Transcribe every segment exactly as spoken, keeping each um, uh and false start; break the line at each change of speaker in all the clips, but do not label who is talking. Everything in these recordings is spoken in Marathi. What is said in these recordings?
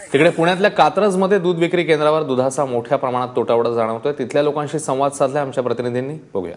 तिकडे पुण्यातल्या कात्रजमध्ये दूध विक्री केंद्रावर दुधाचा मोठ्या प्रमाणात तुटवडा जाणवतोय। तिथल्या लोकांशी संवाद साधला आमच्या प्रतिनिधींनी, बघूया।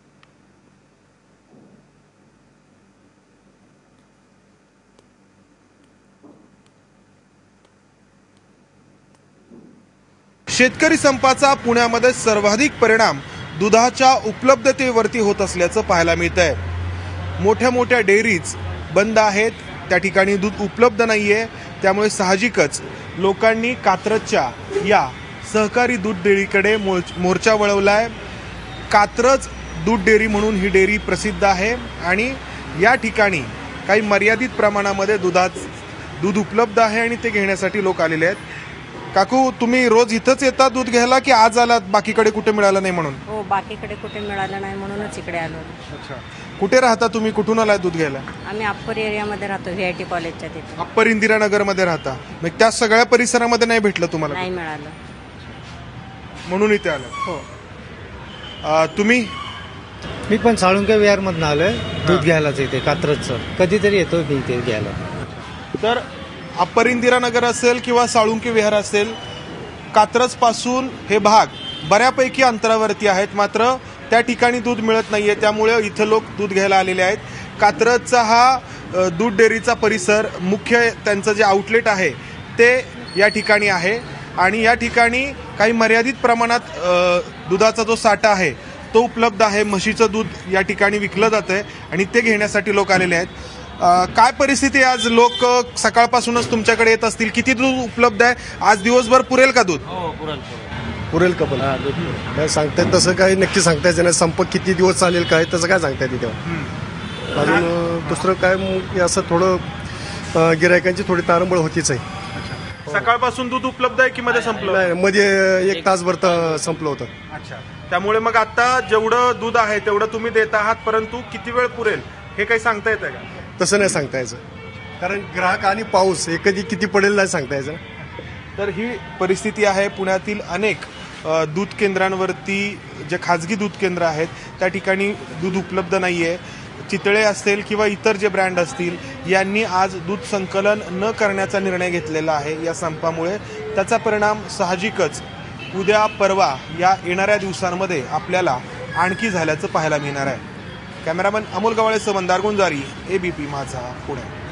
शेतकरी संपाचा पुण्यामध्ये सर्वाधिक परिणाम दुधाच्या उपलब्धतेवरती होत असल्याचं पाहायला मिळतंय। मोठ्या मोठ्या डेअरीज बंद आहेत, त्या ठिकाणी दूध उपलब्ध नाहीये, त्यामुळे साहजिकच लोकांनी कात्रजच्या या सहकारी दूध डेअरीकडे मोर्चा वळवलाय। कात्रज दूध डेअरी म्हणून ही डेअरी प्रसिद्ध आहे आणि या ठिकाणी काही मर्यादित प्रमाणामध्ये दुधात दूध उपलब्ध आहे आणि ते घेण्यासाठी लोक आलेले आहेत। काकू, तुम्ही रोज इथंच येता दूध घ्यायला की आज आलात बाकीकडे कुठे मिळालं नाही म्हणून?
हो, बाकीकडे कुठे मिळालं नाही म्हणूनच इकडे आलो।
अच्छा, कुठे राहता तुम्ही? कुठून आलाय दूध घ्यायला?
आम्ही अप्पर एरियामध्ये राहतो, व्हीआयटी कॉलेजच्या तिथे।
अप्पर इंदिरानगर मध्ये राहता, मग त्या सगळ्या परिसरामध्ये नाही भेटलं तुम्हाला?
नाही मिळालं,
म्हणून इथे आलं।
हो।
तुम्ही?
मी पण साळुंके विहार मधून आलोय दूध घ्यायलाच, इथे कात्रजचं कधीतरी येतो मी इथे घ्यायला।
तर अप्पर इंदिरानगर असेल किंवा साळुंके विहार असेल, कात्रज पासून हे भाग बऱ्यापैकी अंतरावरती आहेत, मात्र त्या ठिकाणी दूध मिळत नाहीये, त्यामुळे इथं लोक दूध घ्यायला आलेले आहेत। कात्रजचा हा दूध डेअरीचा परिसर, मुख्य त्यांचं जे आउटलेट आहे ते या ठिकाणी आहे आणि या ठिकाणी काही मर्यादित प्रमाणात दुधाचा जो साठा आहे तो उपलब्ध आहे। म्हशीचं दूध या ठिकाणी विकलं जातंय आणि ते घेण्यासाठी लोक आलेले आहेत। काय परिस्थिती आहे आज? लोक सकाळपासूनच तुमच्याकडे येत असतील, किती दूध उपलब्ध आहे आज? दिवसभर पुरेल का दूध?
हो, पुरेल
पुरेल का? पण काय सांगतायत तसं काही नक्की सांगता येत नाही। संप किती दिवस चालेल काय तसं काय सांगता येते तेव्हा। अजून दुसरं काय असं थोडं गिरायकांची थोडी तारंबळ होतीच आहे।
सकाळपासून दूध उपलब्ध आहे की मध्ये संपलं?
मध्ये एक तासभर संपलं होतं।
अच्छा, त्यामुळे मग आता जेवढं दूध आहे तेवढं तुम्ही देत आहात, परंतु किती वेळ पुरेल हे काही सांगता येतं का?
तसं नाही सांगता यायचं, कारण ग्राहक आणि पाऊस हे कधी किती पडेल नाही सांगता यायचं।
तर ही परिस्थिती आहे पुण्यातील अनेक दूध केंद्रांवरती, जे खाजगी दूध केंद्र आहेत त्या ठिकाणी दूध उपलब्ध नाहीये। चितळे असेल किंवा इतर जे ब्रँड असतील यांनी आज दूध संकलन न करण्याचा निर्णय घेतलेला आहे या संपामुळे। त्याचा परिणाम साहजिकच उद्या परवा या येणाऱ्या दिवसांमध्ये आपल्याला आणखी झाल्याचं पाहायला मिळणार आहे। कॅमेरामन अमोल गवाळेसह मंदार गुंजारी, एबीपी माझा, पुणे।